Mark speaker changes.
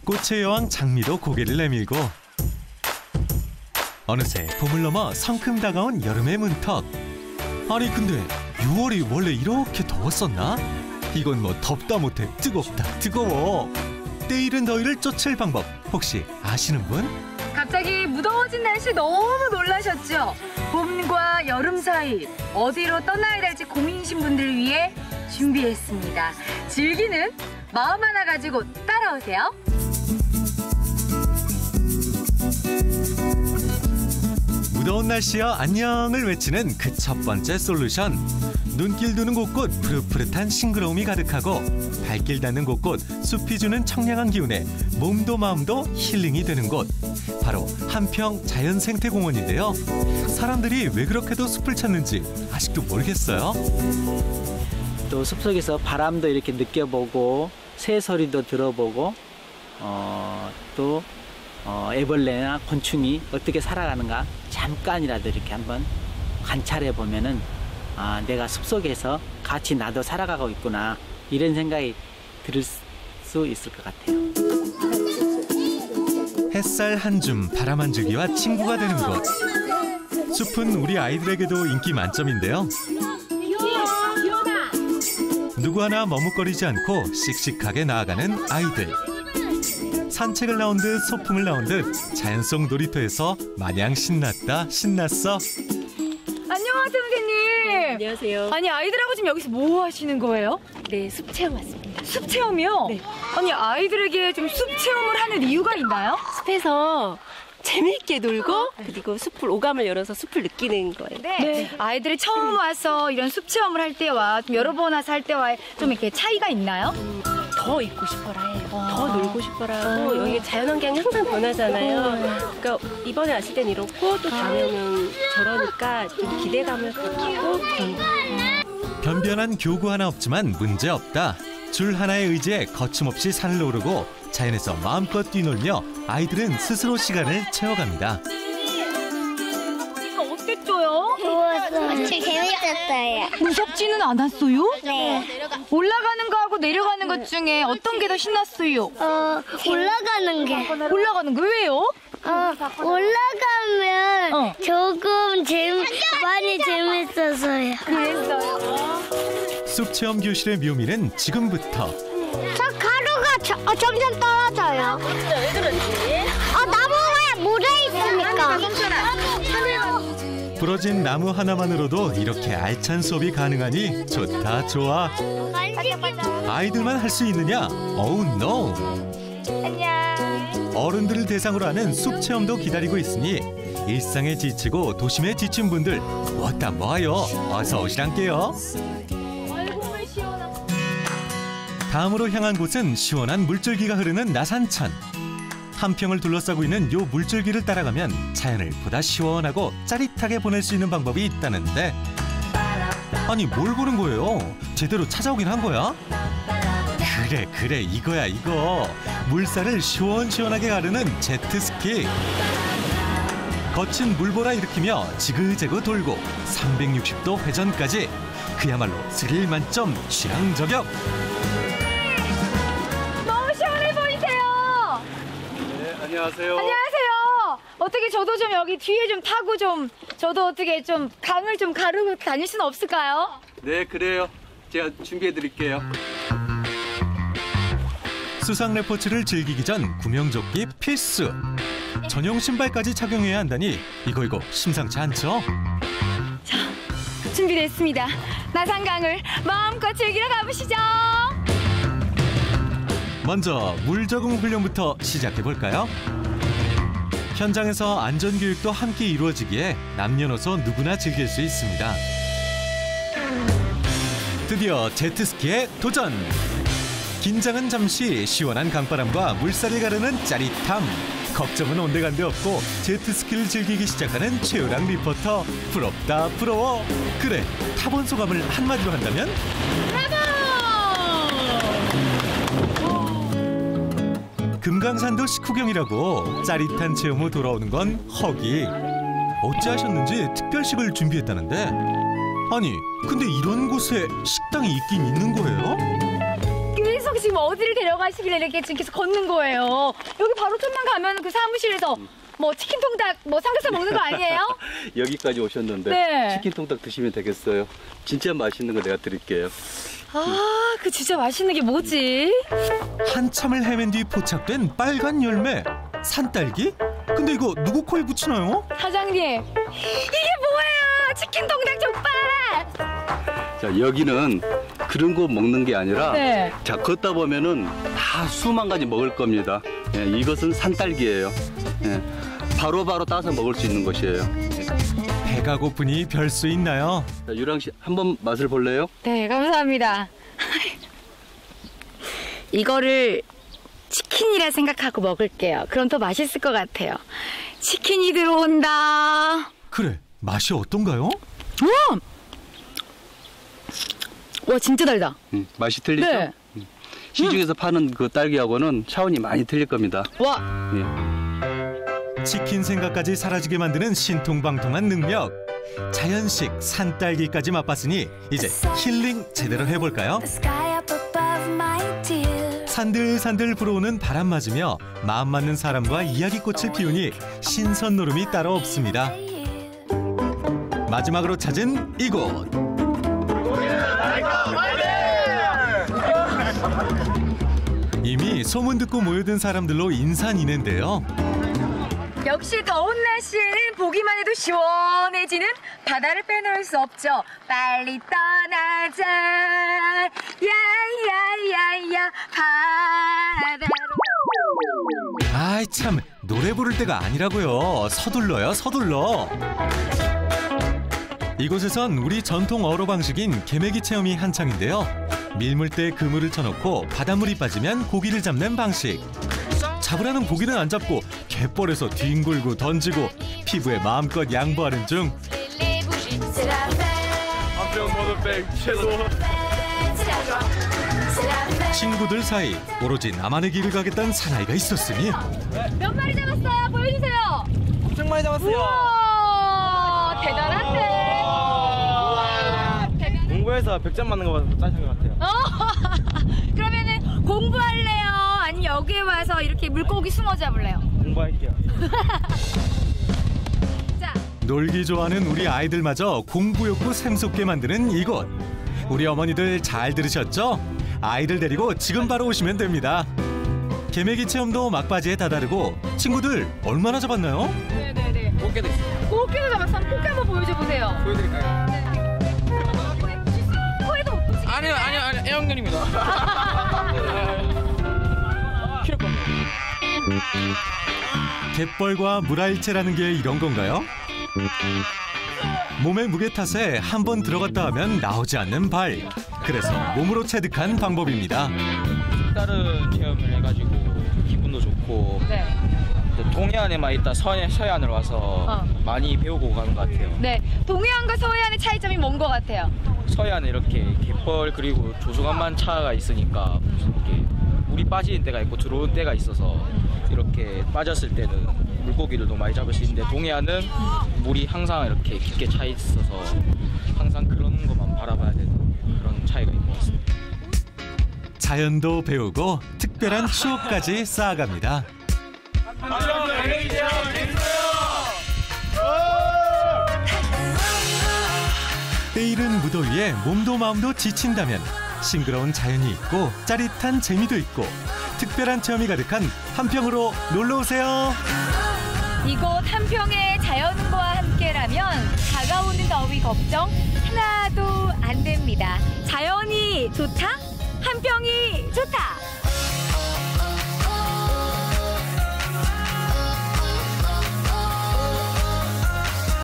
Speaker 1: 꽃의 여왕 장미도 고개를 내밀고 어느새 봄을 넘어 성큼 다가온 여름의 문턱. 아니 근데 6월이 원래 이렇게 더웠었나? 이건 뭐 덥다 못해 뜨겁다 뜨거워. 때이른 더위를 쫓을 방법 혹시 아시는 분?
Speaker 2: 갑자기 무더워진 날씨 너무 놀라셨죠? 봄과 여름 사이 어디로 떠나야 될지 고민이신 분들을 위해 준비했습니다. 즐기는 마음 하나 가지고 따라오세요.
Speaker 1: 무더운 날씨여 안녕을 외치는 그 첫 번째 솔루션. 눈길 두는 곳곳 푸릇푸릇한 싱그러움이 가득하고 발길 닿는 곳곳 숲이 주는 청량한 기운에 몸도 마음도 힐링이 되는 곳. 바로 한평 자연생태공원인데요. 사람들이 왜 그렇게도 숲을 찾는지 아직도 모르겠어요.
Speaker 3: 또 숲속에서 바람도 이렇게 느껴보고 새소리도 들어보고 또 애벌레나 곤충이 어떻게 살아가는가 잠깐이라도 이렇게 한번 관찰해 보면은 내가 숲속에서 같이 나도 살아가고 있구나 이런 생각이 들 수 있을 것 같아요.
Speaker 1: 햇살 한 줌 바람 한 줄기와 친구가 되는 곳. 숲은 우리 아이들에게도 인기 만점인데요. 누구 하나 머뭇거리지 않고 씩씩하게 나아가는 아이들. 산책을 나온 듯 소풍을 나온 듯 자연 속 놀이터에서 마냥 신났다 신났어.
Speaker 2: 안녕하세요, 선생님.
Speaker 4: 안녕하세요.
Speaker 2: 아니, 아이들하고 지금 여기서 뭐 하시는 거예요?
Speaker 4: 네, 숲 체험 왔습니다.
Speaker 2: 숲 체험이요?
Speaker 4: 네.
Speaker 2: 아니, 아이들에게 좀 숲 체험을 하는 이유가 있나요?
Speaker 4: 숲에서 재미있게 놀고 그리고 숲을 오감을 열어서 숲을 느끼는 거예요.
Speaker 2: 네. 아이들이 처음 와서 이런 숲 체험을 할 때와 좀 여러 번 와서 할 때와 좀 이렇게 차이가 있나요?
Speaker 4: 더 있고 싶어라 해요. 더 놀고 싶어라 하고 여기 자연환경이 항상 변하잖아요. 그러니까 이번에 왔을 땐 이렇고 또 다음에는 저러니까 좀 기대감을 갖고 그런 거예요.
Speaker 1: 변변한 교구 하나 없지만 문제 없다. 줄 하나의 의지에 거침없이 산을 오르고 자연에서 마음껏 뛰놀며 아이들은 스스로 시간을 채워갑니다.
Speaker 2: 이거 어땠죠요?
Speaker 5: 좋았어요. 재밌었어요.
Speaker 2: 무섭지는 않았어요?
Speaker 5: 네.
Speaker 2: 올라가는 거하고 내려가는 것 중에 어떤 게 더 신났어요?
Speaker 5: 올라가는 게.
Speaker 2: 올라가는 거 왜요?
Speaker 5: 올라가면 조금 많이 재밌어서요.
Speaker 2: 그랬어요.
Speaker 1: 숲 체험 교실의 묘미는 지금부터.
Speaker 5: 저 가루가 점점 떨어져요.
Speaker 4: 왜 그런지?
Speaker 5: 나무에 묻어 있으니까.
Speaker 1: 부러진 나무 하나만으로도 이렇게 알찬 수업이 가능하니 좋다 좋아. 아이들만 할 수 있느냐? 어우 노.
Speaker 2: 안녕.
Speaker 1: 어른들을 대상으로 하는 숲 체험도 기다리고 있으니 일상에 지치고 도심에 지친 분들 왔다 뭐하여 어서 오시란께요. 다음으로 향한 곳은 시원한 물줄기가 흐르는 나산천. 한평을 둘러싸고 있는 요 물줄기를 따라가면 자연을 보다 시원하고 짜릿하게 보낼 수 있는 방법이 있다는데 아니 뭘 보는 거예요? 제대로 찾아오긴 한 거야? 그래 이거야 이거. 물살을 시원시원하게 가르는 제트스키. 거친 물보라 일으키며 지그재그 돌고 360도 회전까지 그야말로 스릴 만점 취향저격.
Speaker 2: 너무 시원해 보이세요.
Speaker 6: 네, 안녕하세요.
Speaker 2: 안녕하세요. 어떻게 저도 좀 여기 뒤에 좀 타고 좀 저도 어떻게 좀 강을 좀 가르고 다닐 수는 없을까요?
Speaker 6: 네, 그래요. 제가 준비해 드릴게요.
Speaker 1: 수상 레포츠를 즐기기 전 구명조끼 필수. 전용 신발까지 착용해야 한다니 이거 심상치 않죠?
Speaker 2: 자, 준비됐습니다. 나산강을 마음껏 즐기러 가보시죠.
Speaker 1: 먼저 물 적응 훈련부터 시작해 볼까요? 현장에서 안전교육도 함께 이루어지기에 남녀노소 누구나 즐길 수 있습니다. 드디어 제트스키에 도전! 긴장은 잠시 시원한 강바람과 물살을 가르는 짜릿함. 걱정은 온데간데 없고 제트스키를 즐기기 시작하는 최유랑 리포터. 부럽다 부러워. 그래 타본 소감을 한마디로 한다면? 금강산도 식후경이라고 짜릿한 체험 후 돌아오는 건 허기. 어찌하셨는지 특별식을 준비했다는데 아니 근데 이런 곳에 식당이 있긴 있는 거예요?
Speaker 2: 계속 지금 어디를 데려가시길래 이렇게 지금 계속 걷는 거예요? 여기 바로 좀만 가면 그 사무실에서 뭐 치킨 통닭, 뭐 삼겹살 먹는 거 아니에요?
Speaker 6: 여기까지 오셨는데
Speaker 2: 네.
Speaker 6: 치킨 통닭 드시면 되겠어요. 진짜 맛있는 거 내가 드릴게요.
Speaker 2: 아, 그 진짜 맛있는 게 뭐지?
Speaker 1: 한참을 헤맨 뒤 포착된 빨간 열매. 산딸기? 근데 이거 누구 코에 붙이나요?
Speaker 2: 사장님, 이게 뭐예요? 치킨 통닭 족발!
Speaker 6: 자, 여기는 그런 거 먹는 게 아니라
Speaker 2: 네.
Speaker 6: 자, 걷다 보면은 다 수만 가지 먹을 겁니다. 예, 이것은 산딸기예요. 예, 바로바로 따서 먹을 수 있는 것이에요.
Speaker 1: 배가 고프니 별 수 있나요?
Speaker 6: 자, 유랑 씨 한번 맛을 볼래요?
Speaker 2: 네, 감사합니다. 이거를 치킨이라 생각하고 먹을게요. 그럼 더 맛있을 것 같아요. 치킨이 들어온다.
Speaker 1: 그래, 맛이 어떤가요?
Speaker 2: 와, 진짜 달다.
Speaker 6: 맛이 틀리죠?
Speaker 2: 네.
Speaker 6: 시중에서 파는 그 딸기하고는 차원이 많이 틀릴 겁니다.
Speaker 2: 와,
Speaker 6: 예.
Speaker 1: 치킨 생각까지 사라지게 만드는 신통방통한 능력. 자연식 산딸기까지 맛봤으니 이제 힐링 제대로 해볼까요? 산들산들 불어오는 바람 맞으며 마음 맞는 사람과 이야기꽃을 피우니 신선 노름이 따로 없습니다. 마지막으로 찾은 이곳. 이미 소문 듣고 모여든 사람들로 인산인해인데요.
Speaker 2: 역시 더운 날씨에는 보기만 해도 시원해지는 바다를 빼놓을 수 없죠. 빨리 떠나자, 야야야야 바다로.
Speaker 1: 아이 참, 노래 부를 때가 아니라고요. 서둘러요, 서둘러. 이곳에선 우리 전통 어로 방식인 개매기 체험이 한창인데요. 밀물대에 그물을 쳐놓고 바닷물이 빠지면 고기를 잡는 방식. 잡으라는 고기는 안 잡고 갯벌에서 뒹굴고 던지고 피부에 마음껏 양보하는 중. 친구들 사이 오로지 나만의 길을 가겠다는 사나이가 있었으니
Speaker 2: 몇 마리 잡았어요? 보여주세요.
Speaker 7: 엄청 많이 잡았어요.
Speaker 2: 우와, 대단한데. 우와, 대단해.
Speaker 7: 공부해서 100점 맞는 거 봐서 짜신 것 같아요.
Speaker 2: 그러면은 공부할래요? 아니면 여기에 와서 이렇게 물고기 숭어 잡을래요?
Speaker 7: 공부할게요.
Speaker 2: 자,
Speaker 1: 놀기 좋아하는 우리 아이들마저 공부 욕구 샘솟게 만드는 이곳. 우리 어머니들 잘 들으셨죠? 아이들 데리고 지금 바로 오시면 됩니다. 개매기 체험도 막바지에 다다르고 친구들 얼마나 잡았나요?
Speaker 2: 네네네.
Speaker 7: 꽃게도 있어요.
Speaker 2: 꽃게도 잡았어. 꽃게 한번 보여줘 보세요.
Speaker 7: 보여드릴까요?
Speaker 2: 코에도 못 보지.
Speaker 7: 아니요, 애완견입니다. 키울 겁니다.
Speaker 1: 갯벌과 물알체라는 게 이런 건가요? 몸의 무게 탓에 한 번 들어갔다 하면 나오지 않는 발. 그래서 몸으로 체득한 방법입니다.
Speaker 8: 다른 체험을 해가지고 기분도 좋고
Speaker 2: 네.
Speaker 8: 동해안에만 있다 서해안으로 와서 많이 배우고 가는 것 같아요.
Speaker 2: 네. 동해안과 서해안의 차이점이 뭔 것 같아요?
Speaker 8: 서해안에 이렇게 갯벌 그리고 조수간만 차가 있으니까 이렇게 물이 빠지는 때가 있고 들어오는 때가 있어서 이렇게 빠졌을 때는 물고기들도 많이 잡을 수 있는데 동해안은 물이 항상 이렇게 깊게 차 있어서 항상 그런 것만 바라봐야 되는 그런 차이가 있는 것 같습니다.
Speaker 1: 자연도 배우고 특별한 추억까지 쌓아갑니다. 때이른 무더위에 몸도 마음도 지친다면 싱그러운 자연이 있고 짜릿한 재미도 있고 특별한 체험이 가득한 한평으로 놀러오세요.
Speaker 2: 이곳 한평의 자연과 함께라면 다가오는 더위 걱정 하나도 안 됩니다. 자연이 좋다? 한평이 좋다!